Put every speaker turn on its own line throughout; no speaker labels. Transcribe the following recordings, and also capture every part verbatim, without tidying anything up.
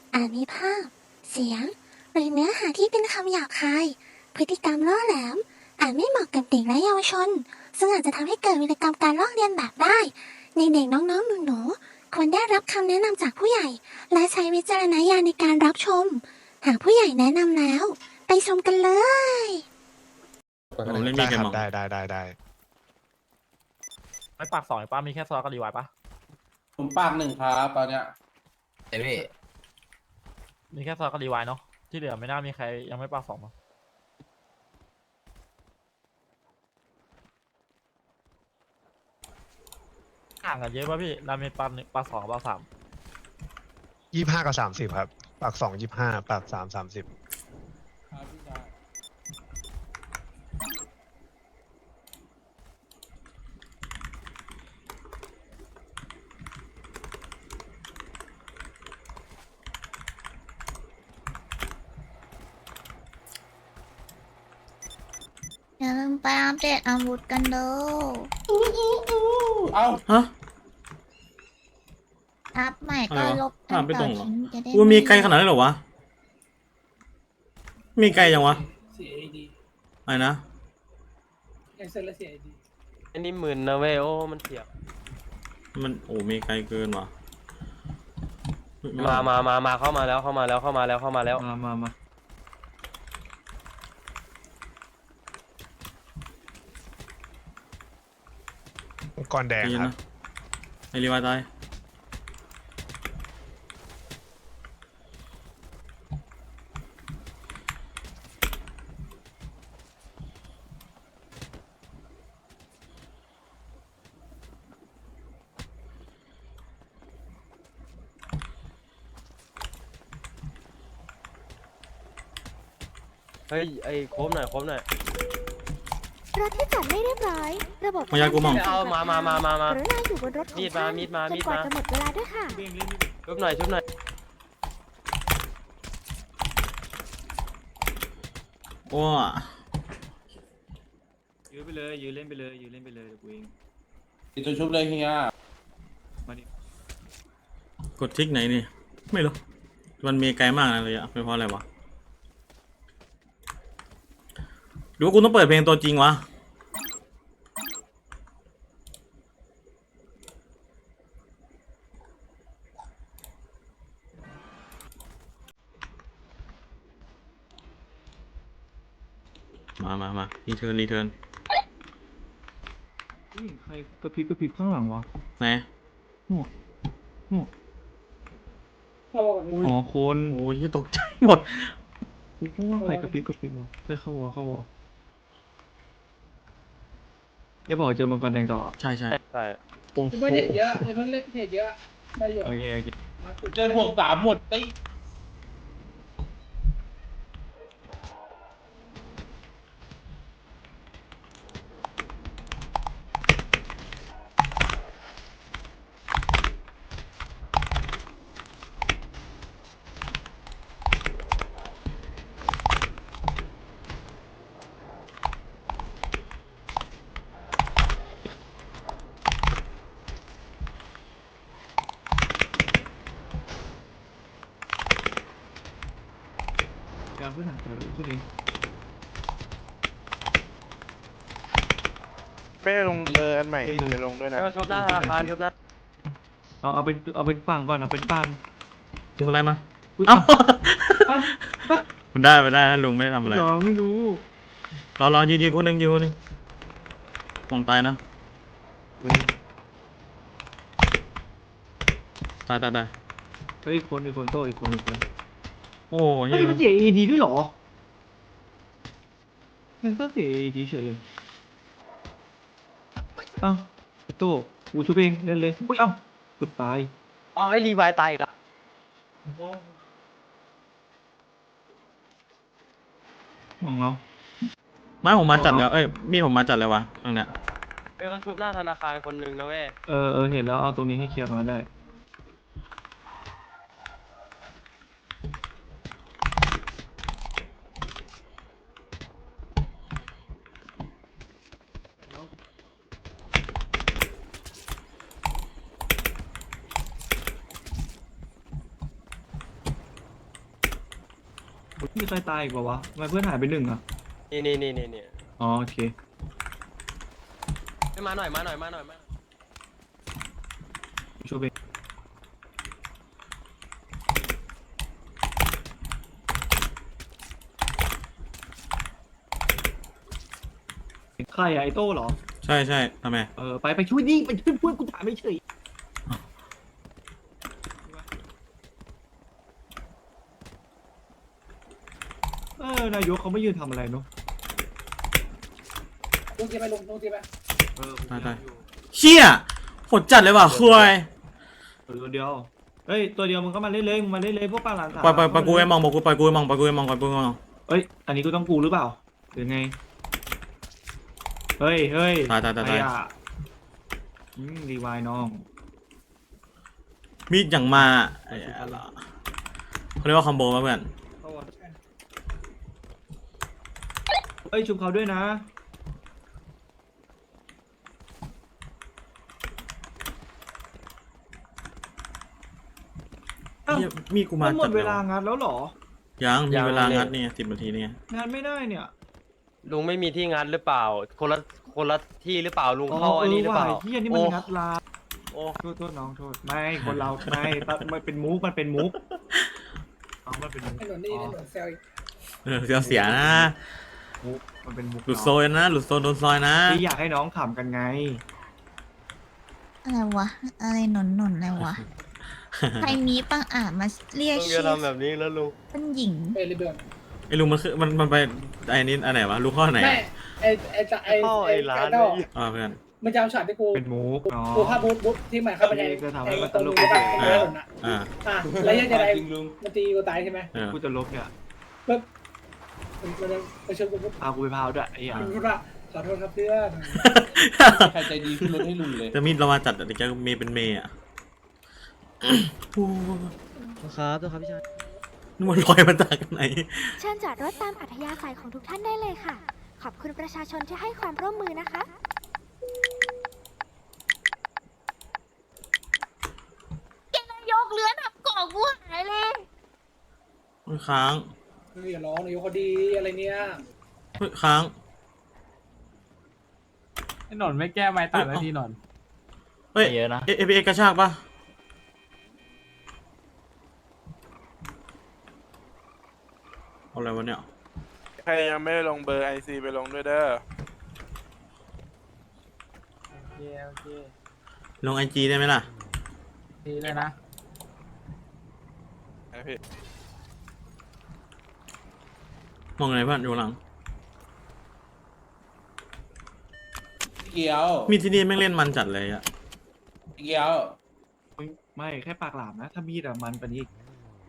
อาจมีภาพเสียงหรือเนื้อหาที่เป็นคำหยาบคายพฤติกรรมล่อแหลมอาจไม่เหมาะกับเด็กและเยาวชนซึ่งอาจจะทำให้เกิดวิกรรมการลอกเลียนแบบได้ในเด็กน้องๆหนูๆควรได้รับคำแนะนำจากผู้ใหญ่และใช้วิจารณญาณในการรับชมหากผู้ใหญ่แนะนำแล้วไปชมกันเลย
ผมเล่นมี
ได้
เก
ค
ม
รับ
มอง
ได้ได้ได้ได้
ไม่ปากสองป้ามีแค่ซอสกับรีไวายปะ
ผมปากหนึ่งครับตอนเนี้ย
เดี๋ยวพี่
มีแค่ซอสกับรีไวายเนาะที่เหลือไม่น่ามีใครยังไม่ปากสองมั้งห่างกันเยอะป่ะพี่ราเมนปากหนึ่งปากสองปากสาม
ยี่ห้ากับสามสิบครับ ปากสองยี่ห้าปากสามสามสิบ
ครับพี่ชาย
อย่าลืมไปอัปเดตอาวุธกันเด้อ
เอ้า
ฮะ
อัพใหม่ก็
อะไรวะ
ลบ
อ่านไม่ตรงเหรอ
ทิ้งจะได้
กูมีไกลขนาดนั้นเหรอวะ มีไกลยังวะ
เสียไอดี
อะไรนะ
แคนเซิลแล้วเสียไอดี
อันนี้หมื่นนะเว้ยโอ้มันเสีย
มันโอ้มีไกลเกินว่ะเฮ้ยไ
มามามามาเข้ามาแล้วเข้ามาแล้วเข้ามาแล้วเข้ามาแล้ว
มามามา
องค์กรแดง
ใจเย็น
ครั
นะ
บ
ไอรีวายตาย
เฮ้ยไอ้โค้มหน่อยโค้มหน่อย
รถที่จอดไม่เรียบร้อย ระบบ
มายากูมอง
เอามามามามามา
กรุณาอยู่บนรถของ
มีดมา
ท่น
มีดมา
จน
มีด
กว่า
มา
จะหมดเวลาด้วยค่ะ
ชุบหน่อยชุบหน่อย
โอ้
ยื้อไปเลยยื้อเล่นไปเลยยื้อเล่นไปเลยเดี๋ยวกูเอง
ติดตัวชุบเลยเฮีย
มาดิ
กดทิกไหนนี่ ไม่รู้ มันมีไกลมากนะเลยอะเป็นเพราะอะไรวะหรือว่ากูต้องเปิดเพลงตัวจริงวะ มามามารีเทิร์นรีเทิร์น
เฮ้ยใครกระพริบกระพริบข้างหลังวะ
ไหน
หัวหัว
เข้ากัน
อ๋อคน
โอ้ยตกใจหมด
กูว่าใครกระพริบกระพริบวะได้เข้าวะเข้าวะอย่าบอกเจอมังกรแดงต่อ
ใช่ใช่
ใช่
ไม่เห็นเยอะเพิ่งเล่นเห็นเยอะได้อยู่
โอเคโอเค
เจอห่วงสามหมดไอ้
การพื้นฐานแต่ละตัวเอง
ไม่ได้ลงเบอร์อันใหม่เดี๋ยวลงด้วยนะ
แล้วชุบหน้าธนาคารชุบหน้า
เอาเอาเป็นเอาเป็นฟังก่อนเอาเป็นฟัง
ถึงอะไรมา
อุ๊ย
เอ้า
อ่ะ
มันได้ไม่ได้นะลุงไม่ได้ทำอะไร
เหรอไม่รู้
รอรอยืนยืนคนหนึ่งยืนคนหนึ่งมองตายนะตายตายตาย
เฮ้ยอีกคนอีกคนโตอีกคนอีกคน
โอ้ย
เฮ้ยมันเสียเอดีด้วยเหรอมันก็เสียเอดีเฉยเลยเอ้าโตกูช่วยเองเล่นเลยอุ้ยเอ้าเกือบตาย
อ๋อไอ้รีไวายตายอีกละ
ของเรา
ไม้ผมมาจัดแล้วเอ้ยมีดผมมาจัดเลยวะตรงเนี้ย
เอ้ยมันชุบหน้าธนาคารคนหนึ่งนะเว้ย
เออเออเห็นแล้วเอาตรงนี้ให้เคลียร์มาได้มีใครตายอีกเปล่าวะทำไมเพื่อนหายไปหนึ่งอ่ะ
นี่นี่นี่นี่นี่
อ๋อโอเค
ให้มาหน่อยมาหน่อยมาหน่อยมา
ช่วยเองใครอะไอโต้เหรอ
ใช่ใช่ทำไม
เออไปไปช่วยดิไปช่วยเพื่อนกูถามไม่เฉยเออนายกเขาไม่ยืนทำอะไรเนาะ
ลงทีไปลงลงทีไป
เออ
ตายตายเชี่ยโหดจัดเลยว่ะคุย
ตัวเดียวเฮ้ยตัวเดียวมึงก็มาเล่นเลยมึงมาเล่นเลยพวกปลาหลานสาว
ปล่อยปล่อยปล่อยกูไปมองบอกกูปล่อยกูไปมองปล่อยกูไปมองปล่อยกูไปมอง
เอ้ยอันนี้กูต้องกูหรือเปล่าหรือไงเฮ้ยเฮ้ย
ตายตายตายตาย
ใครอะอืมรีวายน้อง
มีดอย่างมาไอ้อะไรเขาเรียกว่าคอมโบป่ะเพื่อน
เอ้ยชุบเขาด้วยนะอ้าว
เหี้ยมีดกูมา
มันหม
จั
ด
ด
เว
เลย
ลา
ว่ะ
งานแล้วเหรอ
ยังมีเวลางัดเนี่ยสิบนาทีเนี่ย
งานไม่ได้เนี่ย
ลุงไม่มีที่งัดหรือเปล่า คนละคนละที่หรือเปล่าลุง
อ๋อ
เข้าอัน
เอ
นี้
อ
หรือ
ว่า
เปล่า
เฮียนี่มันงัดลา
โอ้
โทษโทษน้องโทษไม่คนเราไม่มันเป็นมุกมันเป็นมุกน้องมันเป็นมุก
ถนนนี่ถนนเซลอีก
เออเสียเสียนะ
มุกมันเป็นมุก
หลุดโซยนะหลุดโซนโดนซอยนะ
ที่อยากให้น้องขำกันไง
อะไรวะ อะไรหนนหนนอะไรวะ ใครมีปังอาจมาเรียก
ลุง
ชื่
จะ
อ
ทำแบบนี้แล้วลุง
เป็นหญิง
เอลิเบิร์น
ไอ้ลุงมันคือมันมันไปไอ้นี่อันไหนวะลูกข้อไหน
แม่ไอไอจะไอ
เข้า
ไอ
ไอ้ร้าน
ไก่ดอก
นี่
อ่าเพื่อน
มันจะเอาช็อตที่กู
เป็นมุกเนาะ
กูภาพบุ๊บบุ๊บที่หมายเข้าไปใน
จะทำให้
ไอ้
มันต
ตรง
ลก
นี้แบบ
เฉ
ไอ้
ย
ถนนอ่ะ
อ่า
อ่ะแล้วยังจะได้
จริงลุง
มันตีกูตายใช่ไหม
เออ
กูจะลบเนี่ย
ปุ๊บมันมันมันชวนกูปุ๊บ
พากูไปพาวด้วยไอ้เหี้ย
มันพูดว่าขอโทษครับเพื่อน
ใครใจดีขึ้นรถให้ลุงเลย
จะมีดเรามาจัดแต่แกเมย์เป็นเมย์อ่ะโอ้
ครับตัวครับพี่ชาย
นี่มันลอยมาจากไหน
เชิญจอดรถตามอัธยาศัยของทุกท่านได้เลยค่ะ ขอบคุณประชาชนที่ให้ความร่วมมือนะคะ
ยกเลื้อนทับกอกกูหายเลย
เฮ้ยค้าง
เฮ้ยอย่าร้องนายกเขาดีอะไรเนี่ย
เฮ้ยค้าง
ไอ้หนอนไม่แก้ไม้ตัดนาทีหนอน
เฮ้ย
เยอะนะ
เอเอพีเอกระชากปะเอาอะไรวะเนี่ย
ใครยังไม่ได้ลงเบอร์ไอซีไปลงด้วยเด้อ
โอเคโอเค
ลงไอจีได้ไหมล่ะ
ดีเลยนะ
ไอพี่
มองไงเพื่อนอยู่หลัง
เกียว
มีดที่นี่แม่งเล่นมันจัดเลยอะ
เกียว
ไม่แค่ปากหลามนะ ถ้ามีดอะมันกว่านี้อีก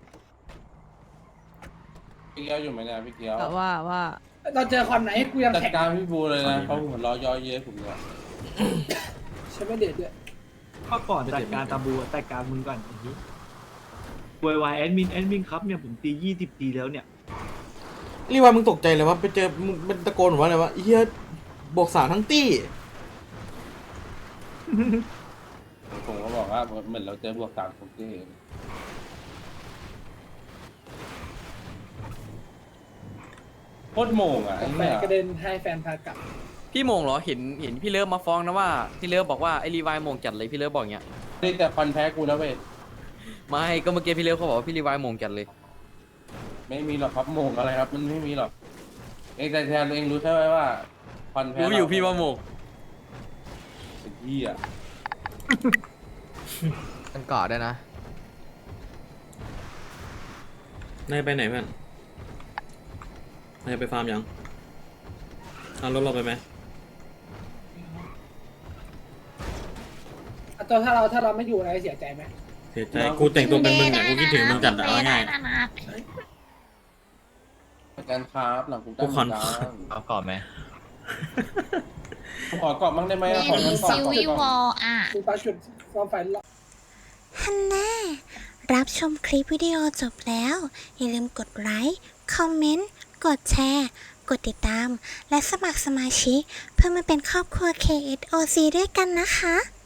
พี่เกียวอยู่ไหมเนี่ยพี่เกียว
ว่าว่า
ตอนเจอคอนไหนกูยัง
จัด
แท็ก
การพี่บูเลยนะเขาหัวเรอย่อเย้ยผมเลย
ใช่ไหมเด็ดด้วย
ก็ก่อนจัดการตาบูอะจัดการมึงก่อนอย่างนี้วายวายแอดมินแอดมินครับเนี่ยผมตียี่สิบปีแล้วเนี่ย
รีว่ามึงตกใจเลยว่าไปเจอมึงเป็นตะโกนว่าอะไรวะเฮียบวกสามทั้งตี้
ผมก็บอกว่าเหมือนเราเจอบวกสามของที่เองโคตรโมงอ่ะไอ้
แฟ
เนี่ย
นกระเด็นให้แฟนพากลับ
พี่โมงเหรอ เห็นเห็นพี่เลิฟมาฟ้องนะว่าพี่เลิฟบอกว่าไอรีวายโมงจัดเลยพี่เลิฟบอกอย่างเงี้ย
นี่แต่คอนแพ้กูนะเว้ย
ไม่ก็เมื่อกี้พี่เลิฟเขาบอกว่าพี่รีวายโมงจัดเลย
ไม่มีหรอกครับโมงอะไรครับ มันไม่มีหรอกเองแต่แทนเองรู้ใช่ไหมว่าคอนแพ้
รู้อยู่พี่ว่าโมง
เป็นที่อ่ะ
กันกอดได้นะ
นายไปไหนเพื่อนนายไปฟาร์มยังเอารถเราไปไหม
อ่ะตัวถ้าเราถ้าเราไม่อยู่อะไรเสียใจไหม
เสียใจกูแต่งตัวเป็นมึงอ่ะกูคิดถึงมึงจัดอะเอาง่าย
การครับหลังกู
กูขอ
เอาก่อนไหม
ขอกรอบบ้างได้ไหม
เล่
ขอน กัน
ซิวิวอลอ่ะ
กูปาจุดความฝันละ
ฮันน่ารับชมคลิปวิดีโอจบแล้ว อย่าลืมกดไลค์ คอมเมนต์ กดแชร์ กดติดตาม และสมัครสมาชิกเพื่อมาเป็นครอบครัว เค เอส โอ ซี ด้วยกันนะคะ